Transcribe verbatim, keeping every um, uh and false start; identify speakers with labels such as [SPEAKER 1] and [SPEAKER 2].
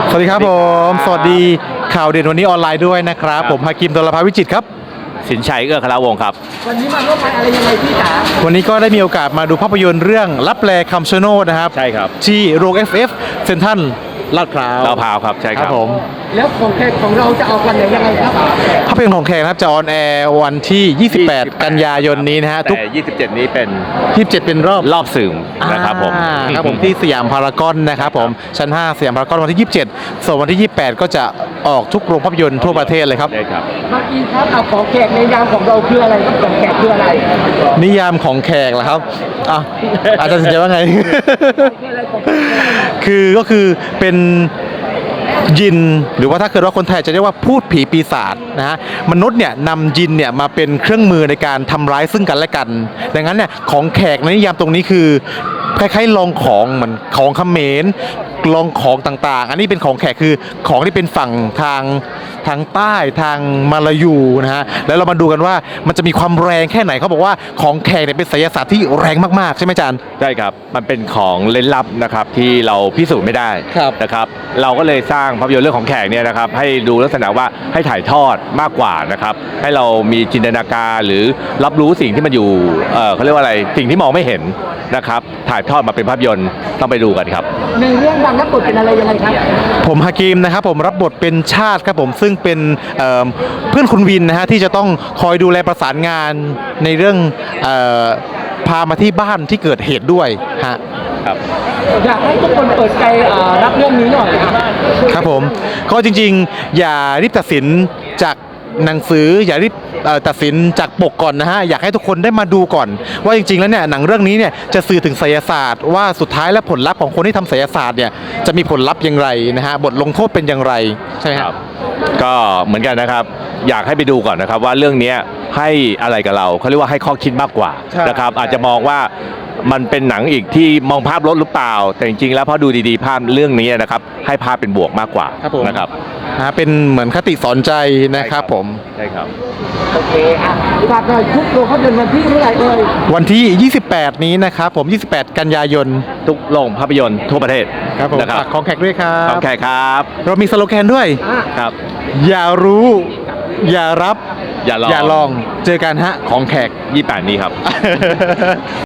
[SPEAKER 1] สวัสดีครับผมสวัสดีข่าวเด่นวันนี้ออนไลน์ด้วยนะครับผมฮากิม ดลภาวิจิตรครับ
[SPEAKER 2] สินชัยเอื้อคารวงศ์ครับ
[SPEAKER 3] วันนี้มาร่วมงานอะไรยังไงพี่จ๋า
[SPEAKER 1] วันนี้ก็ได้มีโอกาสมาดูภาพยนตร์เรื่องลับแลคำชะโนดนะครับ
[SPEAKER 2] ใช่ครับ
[SPEAKER 1] ที่โรง เอฟ เอฟ เซ็นทรัลลาดพร้าว
[SPEAKER 2] ลาดพร้าวครับใช่ครับ
[SPEAKER 1] ผม
[SPEAKER 3] แล้วของแขกของเราจะเอาวันไหนยังไงครับ
[SPEAKER 1] ภาพยนตร์ของแขกนะครับจะออนแอร์วันที่ยี่สิบแปดกันยายนนี้นะฮะ
[SPEAKER 2] ทุกยี่สิบเจ็ดนี้เป็น
[SPEAKER 1] ยี่สิบเจ็ดเป็นรอบ
[SPEAKER 2] รอบสื่อนะครับผม
[SPEAKER 1] ครับผมที่สยามพารากอนนะครับผมชั้นห้าสยามพารากอนวันที่ยี่สิบเจ็ดส่วนวันที่ยี่สิบแปดก็จะออกทุกโรงภาพยนตร์ทั่วประเทศเลยครับ
[SPEAKER 2] ใช่ครับ
[SPEAKER 3] เมื่อกี้ครับเอาของแขกในยามของเราคืออะไรครับของแขกคืออะไร
[SPEAKER 1] นิยามของแขกเหรอครับอ่ะอาจารย์สนใจว่าไงคือก็คือเป็นยินหรือว่าถ้าเกิดว่าคนไทยจะเรียกว่าพูดผีปีศาจนะฮะมนุษย์เนี่ยนำยินเนี่ยมาเป็นเครื่องมือในการทำร้ายซึ่งกันและกันดังนั้นเนี่ยของแขกในนิยามตรงนี้คือคล้ายๆลองของเหมือนของเขมรลองของต่างๆอันนี้เป็นของแขกคือของที่เป็นฝั่งทางทางใต้ทางมาลายูนะฮะแล้วเรามาดูกันว่ามันจะมีความแรงแค่ไหนเขาบอกว่าของแขกเนี่ยเป็นไสยศาสตร์ที่แรงมากๆใช่ไหมอาจารย์
[SPEAKER 2] ใช่ครับมันเป็นของเล่นลับนะครับที่เราพิสูจน์ไม่ได้นะครับเราก็เลยสร้างภาพยนตร์เรื่องของแขกเนี่ยนะครับให้ดูลักษณะว่าให้ถ่ายทอดมากกว่านะครับให้เรามีจินตนาการหรือรับรู้สิ่งที่มันอยู่เอ่อเขาเรียกว่าอะไรสิ่งที่มองไม่เห็นนะครับถ่ายทอดมาเป็นภาพยนตร์ต้องไปดูกันครับ
[SPEAKER 3] ในเรื่องดังรับบทเป็นอะไรยังไงครับ
[SPEAKER 1] ผมฮากิมนะครับผมรับบทเป็นชาติครับผมซึ่งเป็นเอ่อเพื่อนคุณวินนะฮะที่จะต้องคอยดูแลประสานงานในเรื่องเอ่อพามาที่บ้านที่เกิดเหตุด้วยฮะ
[SPEAKER 2] ครับ
[SPEAKER 3] อยากให้ทุกคนเปิดใจรับเรื่องนี้หน่อยครับ
[SPEAKER 1] ครับผมก็จริงๆอย่ารีบตัดสินจากหนังสืออย่ารีบตัดสินจากปกก่อนนะฮะอยากให้ทุกคนได้มาดูก่อนว่าจริงๆแล้วเนี่ยหนังเรื่องนี้เนี่ยจะสื่อถึงไสยศาสตร์ว่าสุดท้ายและผลลัพธ์ของคนที่ทำไสยศาสตร์เนี่ยจะมีผลลัพธ์อย่างไรนะฮะบทลงโทษเป็นอย่างไรใช่ไหมครับ
[SPEAKER 2] ก็เหมือนกันนะครับอยากให้ไปดูก่อนนะครับว่าเรื่องนี้ให้อะไรกับเราเขาเรียกว่าให้ข้อคิดมากกว่านะครับอาจจะมองว่ามันเป็นหนังอีกที่มองภาพลดหรือเปล่าแต่จริงๆแล้วพอดูดีๆภาพเรื่องนี้นะครับให้ภาพเป็นบวกมากกว่านะครับ
[SPEAKER 1] นะเป็นเหมือนคติสอนใจนะครับผม
[SPEAKER 2] ใช่ครับ
[SPEAKER 3] โอเคอ่ะฝากหน่อยทุกโรงภาพยนตร์วันที่เมื่อไหร่เอ่ย
[SPEAKER 1] วันที่ยี่สิบแปดนี้นะครับผมยี่สิบแปดกันยายน
[SPEAKER 2] ทุกโรงภาพยนตร์ทั่วประเทศ
[SPEAKER 1] ครับผมฝากของแขกด้วยครับ
[SPEAKER 2] ของแขกครับ
[SPEAKER 1] เรามีสโลแกนด้วย
[SPEAKER 2] ครับ
[SPEAKER 1] อย่ารู้อย่ารับ
[SPEAKER 2] อย่าลอง
[SPEAKER 1] อย่าลองเจอกันฮะของแขก
[SPEAKER 2] ยี่สิบแปดนี้ครับ